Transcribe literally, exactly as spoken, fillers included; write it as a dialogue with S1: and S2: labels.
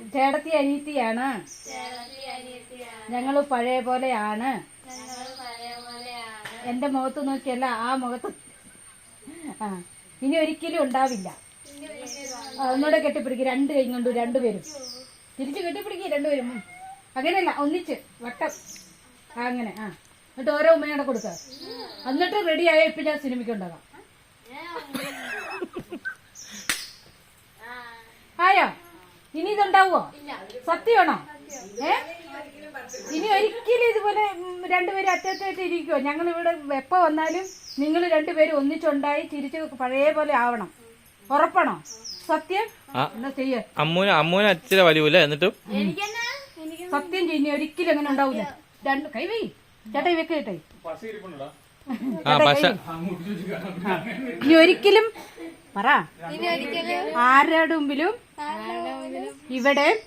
S1: ചേട്ടത്തി അനിയത്തിയാണ്. ഞങ്ങള് പഴയ പോലെയാണ്. എന്റെ മുഖത്ത് നോക്കിയല്ല ആ മുഖത്ത്. ആ ഇനി ഒരിക്കലും ഉണ്ടാവില്ല. ഒന്നുകൂടെ കെട്ടിപ്പിടിക്കും രണ്ട് കൈ കൊണ്ട് രണ്ടുപേരും തിരിച്ചു കെട്ടിപ്പിടിക്കും രണ്ടുപേരും. അങ്ങനെയല്ല ഒന്നിച്ച് വട്ടം അങ്ങനെ. ആ എന്നിട്ട് ഓരോ ഉമ്മയോടെ കൊടുക്ക. എന്നിട്ട് റെഡി ആയ ഇപ്പൊ ഞാൻ സിനിമയ്ക്ക് ഉണ്ടാകാം. ആയോ? ഇനി ഇതുണ്ടാവോ? സത്യമാണോ? ഏ ഇനി ഒരിക്കലും ഇതുപോലെ രണ്ടുപേരും അറ്റത്തായിട്ട് ഇരിക്കുവോ? ഞങ്ങൾ ഇവിടെ എപ്പോ വന്നാലും നിങ്ങൾ രണ്ടുപേരും ഒന്നിച്ചുണ്ടായി തിരിച്ച് പഴയ പോലെ ആവണം. ഉറപ്പാണോ? സത്യം? എന്നാ ചെയ്യ.
S2: അമ്മൂന് അമ്മൂന് അച്ഛനെ വലിയ എന്നിട്ടും
S1: സത്യം ചെയ്യുന്ന ഒരിക്കലും അങ്ങനെ ഉണ്ടാവൂല. രണ്ട് കൈ വൈ ചേട്ടാ വെക്ക് കേട്ടെ. ഇനി ഒരിക്കലും പറ ആരുടെ മുമ്പിലും ഇവിടെ